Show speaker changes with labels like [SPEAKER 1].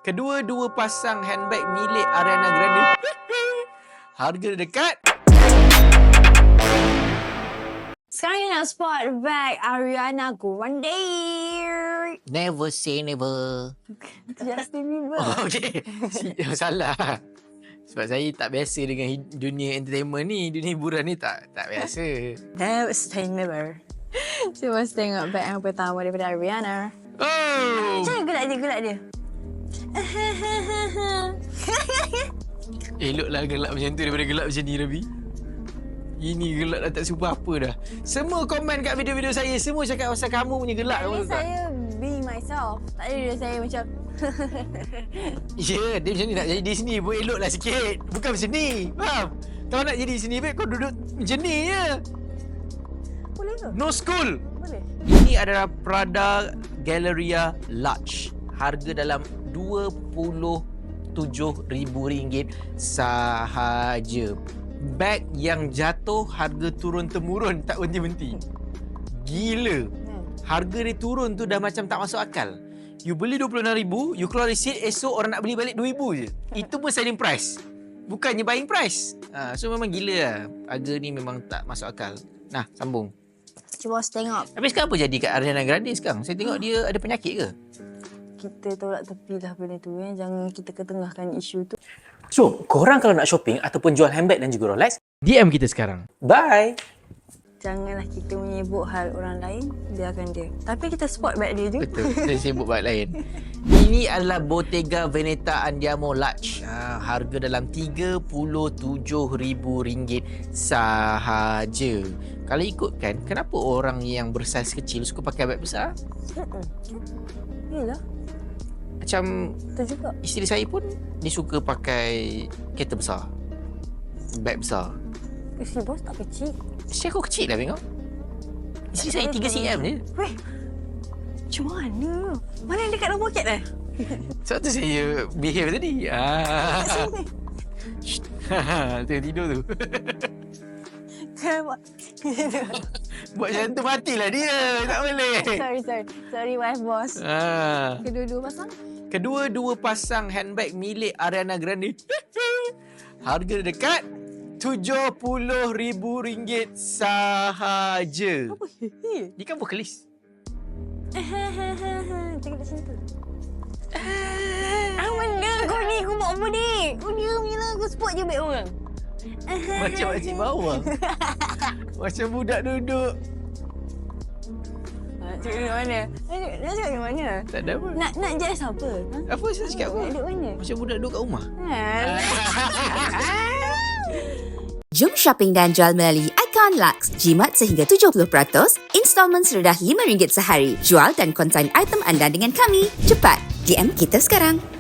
[SPEAKER 1] Kedua-dua pasang handbag milik Ariana Grande. Harga dekat.
[SPEAKER 2] Sekarang kita nak spot bag Ariana Grande.
[SPEAKER 1] Never say never.
[SPEAKER 2] Justin Bieber.
[SPEAKER 1] Oh, okay. Salah. Sebab saya tak biasa dengan dunia entertainment ni. Dunia hiburan ni tak biasa.
[SPEAKER 2] Never say never. Cuba tengok bag yang pertama daripada Ariana.
[SPEAKER 1] Oh!
[SPEAKER 2] Macam mana gelak dia?
[SPEAKER 1] Eloklah gelak macam tu daripada gelak macam ni, Rabi. Ini gelak dah tak serupa apa dah. Semua komen kat video-video saya, semua cakap pasal kamu punya gelak.
[SPEAKER 2] Ini saya being myself. Tak ada dia saya macam...
[SPEAKER 1] Ya, dia macam ni nak jadi di sini pun eloklah sikit. Bukan macam ni, faham? Kalau nak jadi di sini, baik kau duduk macam ni je.
[SPEAKER 2] Boleh ke?
[SPEAKER 1] No school.
[SPEAKER 2] Boleh.
[SPEAKER 1] Ini adalah Prada Galleria Large. Harga dalam RM27,000 sahaja. Beg yang jatuh harga turun-temurun, tak berhenti-henti. Gila. Harga dia turun tu dah macam tak masuk akal. You beli RM26,000, you keluar receipt, esok orang nak beli balik RM2,000 je. Itu pun selling price. Bukannya buying price. So memang gila lah. Harga ni memang tak masuk akal. Nah, sambung.
[SPEAKER 2] Cuba tengok.
[SPEAKER 1] Tapi sekarang apa jadi kat Ariana Grande sekarang? Saya tengok dia ada penyakit ke?
[SPEAKER 2] Kita tolak tepilah benda tu. Jangan kita ketengahkan isu tu.
[SPEAKER 3] So, korang kalau nak shopping ataupun jual handbag dan juga Rolex,
[SPEAKER 1] DM kita sekarang.
[SPEAKER 3] bye!
[SPEAKER 2] Janganlah kita menyebut hal orang lain. Biarkan dia. Tapi kita spot bag dia je.
[SPEAKER 1] Betul, saya sibuk bag lain. Ini adalah Bottega Veneta Andiamo Large. Harga dalam RM37,000 sahaja. Kalau ikutkan, kenapa orang yang bersaiz kecil suka pakai bag besar?
[SPEAKER 2] Yelah.
[SPEAKER 1] Macam
[SPEAKER 2] Betul juga.
[SPEAKER 1] isteri saya pun dia suka pakai kereta besar, bag besar.
[SPEAKER 2] Isteri bos tak kecil.
[SPEAKER 1] Isteri aku kecil lah tengok. Isteri saya 3 cm je.
[SPEAKER 2] Weh. Macam mana? Mana yang dekat dalam poket dah?
[SPEAKER 1] Sebab tu saya behave tadi. Tengok tidur tu. Buat macam tu matilah dia. Tak boleh.
[SPEAKER 2] Sorry wife boss. Kedua-dua pasang?
[SPEAKER 1] Kedua-dua pasang handbag milik Ariana Grande. Harga dekat RM70,000 sahaja.
[SPEAKER 2] Apa?
[SPEAKER 1] Dia kan vokalis.
[SPEAKER 2] Cakap kat sini tu. Benda kau ni? Kau buat apa ni? Kau diam je lah. Kau spot je beg orang.
[SPEAKER 1] Macam makcik bawang. Macam budak duduk.
[SPEAKER 2] Nak cakap kat mana? Nak cakap kat mana?
[SPEAKER 1] Tak ada apa.
[SPEAKER 2] Nak judge apa?
[SPEAKER 1] Apa saya cakap apa?
[SPEAKER 2] Nak duduk mana?
[SPEAKER 1] Macam budak duduk kat rumah.
[SPEAKER 4] Jom shopping dan jual melalui Icon Lux. Jimat sehingga 70%, installment serendah RM5 sehari. Jual dan konsign item anda dengan kami. Cepat, DM kita sekarang.